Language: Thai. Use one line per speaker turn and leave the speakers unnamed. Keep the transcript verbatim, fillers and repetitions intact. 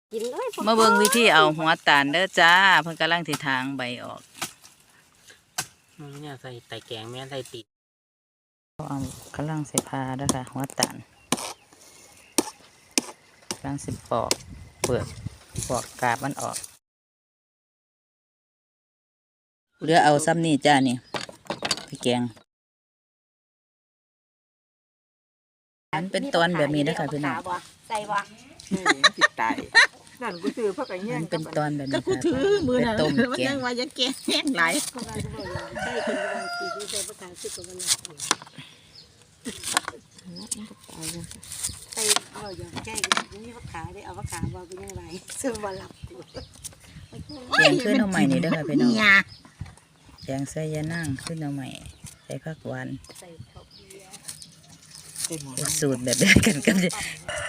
กินเลย
มาเบิ่งวิธีเอาหัวตาลเด้อจ้าเพิ่นกำลังสิทางใบออก
มันเนี่ยใส่ไต่แกงแม่ใส่ติด
เอากำลังสิพาเด้อค่ะหัวตาลกำลังสิปอกเปลือกปอกกาบมันออกเหลือเอาซ้ำนี่จ้านี่พี่แกงมันเป็นตอนแบบนี้นะคะพี่น้อง
ใส่บ่
ติดตายนั่นกูถือเพราะกันแย่ง
มันเป็นตอนแบบนี้
ก็กูถือมือนั่น
ต้ม
มัน
แก
ยัง งว่าจะแกงแห้งไหล
ใส่กินบางทีที่ใส่ประทานสุกกันละใส่เอาอย่างแก้นี่เขาขายได้เอาเขาขายบ่เป็นยังไงซื้อบ่หลับ
แกงขึ้นเอาใหม่นี่เด้อค่ะพี่น้องแกงใส่ยานั่งขึ้นเอาใหม่ใส่ผักหวาน
ใส่ข้าวเบียร์
สูตรแบบเดียวกันกัน